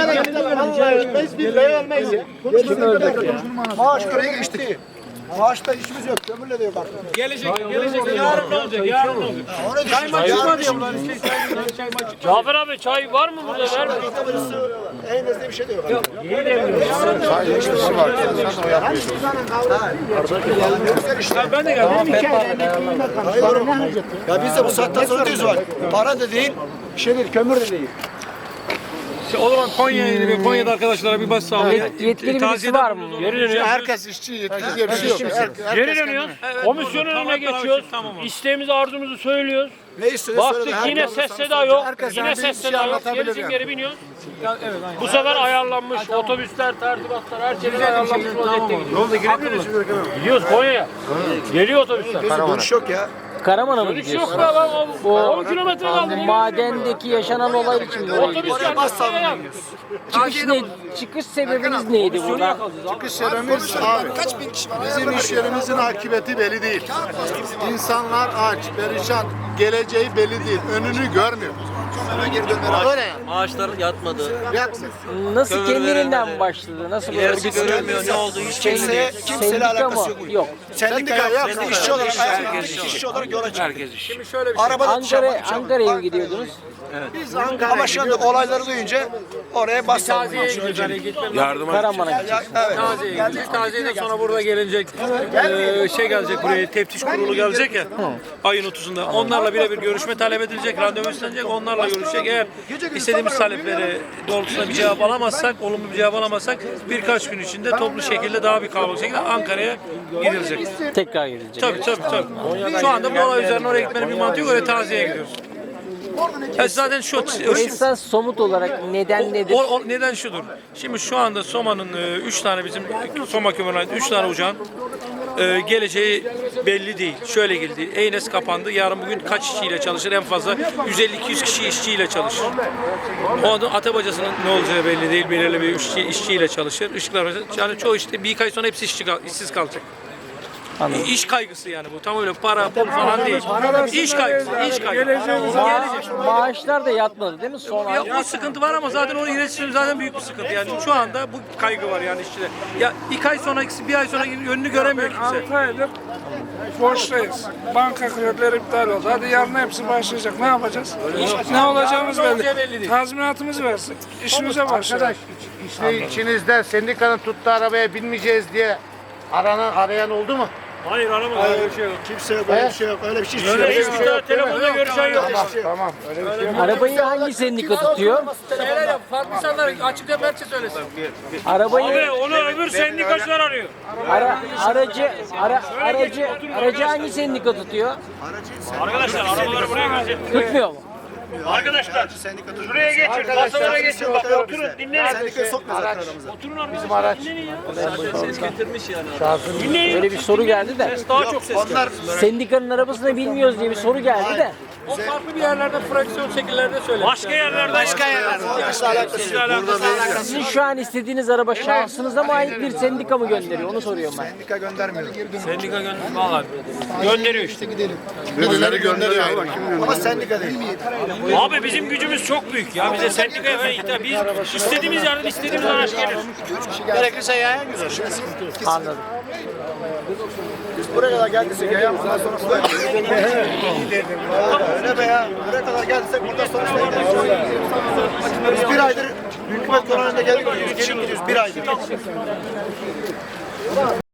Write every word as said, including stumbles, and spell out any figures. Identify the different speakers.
Speaker 1: Kömüre de gittik. Vallahi ölmeyiz, billahi ölmeyiz ya. Maaş görevi geçtik. Maaşta işimiz yok, kömürle de yok artık.
Speaker 2: Gelecek, gelecek. Yarın ne olacak? Yarın ne olacak? Çay mı çıkmadı ya bunlar? Çay mı çıkmadı?
Speaker 3: Cafer abi çay var mı burada? Ver mi?
Speaker 1: En azından bir şey de yok.
Speaker 4: Sadece işçisi var. Sen de o yapmıyor.
Speaker 2: Ben de geldim.
Speaker 1: Ya biz de bu saatten sonra diyoruz var. Para da değil, şey değil, kömür de değil.
Speaker 2: O zaman Konya'ya ve Konya'da arkadaşlara bir baş sağlayın.
Speaker 5: Yetkili birisi var mı?
Speaker 3: Geri dönüyoruz.
Speaker 4: Herkes işçi, yetkili diye bir şey yok.
Speaker 3: Geri dönüyoruz. Komisyonun önüne geçiyoruz. İsteğimizi, arzumuzu söylüyoruz.
Speaker 1: Ne istiyorsun?
Speaker 3: Baktık yine ses seda yok. Yine ses seda yok. Gerisin geri biniyoruz. Bu sefer ayarlanmış otobüsler, tertibatlar, her şey ayarlanmış vaziyette gidiyor. Gidiyoruz Konya'ya. Geliyor otobüsler.
Speaker 1: Dönüş yok ya.
Speaker 5: Karaman'a mı
Speaker 3: Dönüş yok
Speaker 5: gidiyorsun?
Speaker 3: be lan. on kilometre kaldı.
Speaker 5: Madendeki yaşanan olay için mi oraya
Speaker 3: Otobüs
Speaker 5: gidiyorsun?
Speaker 3: geldi.
Speaker 5: Çıkış, ne, çıkış sebebiniz neydi burada?
Speaker 4: Çıkış yerimiz abi. Kaç bin kişi var? Bizim iş yerimizin akıbeti belli değil. İnsanlar aç, perişan, geleceği belli değil. Önünü görmüyor. Öyle yani.
Speaker 6: Maaşlar yatmadı.
Speaker 4: Yatsın.
Speaker 5: Nasıl kendiliğinden başladı? Nasıl böyle
Speaker 6: İlerisi görülmüyor. Ne oldu hiç
Speaker 1: Kimse,
Speaker 6: belli değil.
Speaker 1: kimseyle
Speaker 5: sendika
Speaker 1: alakası
Speaker 5: mı?
Speaker 1: yok.
Speaker 5: Yok.
Speaker 1: Sendika yok. Sendika işçi olarak, ayakta işçi olarak yola çıktık.
Speaker 6: Herkes iş.
Speaker 2: Şimdi şöyle bir şey.
Speaker 1: Arabada
Speaker 5: Ankara, Ankara'ya mı gidiyordunuz?
Speaker 1: Ama şu anda olayları duyunca oraya bas
Speaker 2: Taziye'ye gidiyoruz. Hani gitmemiz
Speaker 5: Karaman'a gideceksiniz.
Speaker 1: Evet.
Speaker 2: Taziye'ye gideceğiz. Taziyeden sonra burada gelecek eee, şey gelecek buraya, teftiş kurulu gelecek ya ayın otuzunda. Onlarla birebir görüşme talep edilecek, randevu istenecek, onlarla görüşecek. Eğer istediğimiz talepleri doğrultusunda bir cevap alamazsak, olumlu bir cevap alamazsak birkaç gün içinde toplu şekilde daha bir kalabalık şekilde Ankara'ya gidilecek.
Speaker 5: Tekrar gidilecek.
Speaker 2: Tabii tabii tabii. Şu anda bu olay üzerine oraya gitmenin bir mantığı yok. Öyle Taziye'ye gidiyoruz. Ya zaten şu,
Speaker 5: Esas somut olarak neden nedir?
Speaker 2: O, o neden şudur. Şimdi şu anda Soma'nın e, üç tane bizim Soma kömürüne ait üç tane uçağın e, geleceği belli değil. Şöyle geldi. Eynes kapandı. Yarın bugün kaç işçiyle çalışır? En fazla yüz elli iki yüz kişi işçiyle çalışır. O anda Atabacası'nın ne olacağı belli değil. Belirli bir işçi, işçiyle çalışır. Işıklar yani çoğu işte bir ay sonra hepsi işçi, işsiz kalacak.
Speaker 5: Anladım.
Speaker 2: İş kaygısı yani bu. Tam öyle para, pul falan değil. İş kaygısı, iş kaygısı.
Speaker 5: Ma- maaşlar da yatmadı değil mi? Son ay.
Speaker 2: Ya o sıkıntı var ama zaten onun iletişim zaten büyük bir sıkıntı yani. Şu anda bu kaygı var yani işçide. Ya iki ay sonra, bir ay sonra önünü göremiyor kimse.
Speaker 7: altı aydır borçluyuz. Banka kredileri iptal oldu. Hadi yarın hepsi başlayacak. Ne yapacağız? Ne olacağımız
Speaker 2: Yarın ne olacağı
Speaker 7: belli.
Speaker 2: belli değil.
Speaker 7: Tazminatımızı versin. İşimize başlayalım.
Speaker 4: İşte içinizde sendikanın tuttuğu arabaya binmeyeceğiz diye aranan arayan oldu mu?
Speaker 3: Hayır aramadım. Öyle bir şey yok.
Speaker 1: Kimse yok, öyle bir şey yok. Öyle bir şey
Speaker 3: Öyle
Speaker 1: yok.
Speaker 3: hiçbir tane telefonda görüşen yok.
Speaker 4: Tamam. Öyle bir şey yok.
Speaker 5: Arabayı hangi sendika tutuyor?
Speaker 2: Şeyler yap, farklı insanlar açık demeççe söylesin.
Speaker 5: Arabayı
Speaker 3: Abi onu öbür sendikacılar arıyor.
Speaker 5: ara, aracı ara, aracı aracı hangi sendika tutuyor?
Speaker 3: Arkadaşlar arabaları buraya gelecek.
Speaker 5: Tutmuyor mu?
Speaker 3: Arkadaşlar şuraya geçin. Masalara geçin. Bak oturun dinleyin.
Speaker 1: Sendikayı sokma zaten aramıza.
Speaker 3: Oturun arkadaşlar. Dinleyin ya.
Speaker 6: Ses getirmiş yani.
Speaker 3: Dinleyin.
Speaker 5: Böyle bir soru geldi de.
Speaker 2: Daha çok ses.
Speaker 1: Onlar
Speaker 5: Sendikanın arabasını bilmiyoruz diye bir soru geldi de.
Speaker 2: O farklı bir yerlerde fraksiyon şekillerde söyler.
Speaker 3: Başka yerlerde. Başka yerlerde.
Speaker 1: Arkadaşlar alakası yok.
Speaker 5: Sizin şu an istediğiniz araba şahsınıza mı ait bir sendika mı gönderiyor? Onu soruyorum ben.
Speaker 1: Sendika göndermiyor.
Speaker 2: Sendika gönder. Valla.
Speaker 3: Gönderiyor işte.
Speaker 4: Birileri gönderiyor.
Speaker 1: Ama sendika değil.
Speaker 3: Abi bizim gücümüz çok büyük ya. Bize sendikaya falan ihtiyaç. Biz istediğimiz yerden istediğimiz araç gelir.
Speaker 1: Gerekirse yayan güzel.
Speaker 5: Anladım.
Speaker 1: Biz buraya kadar geldiysek yayan bundan sonra suda. Öyle be ya. Buraya kadar geldiysek bundan sonra suda. Biz bir aydır hükümet konağında geldik. Geri gidiyoruz bir aydır.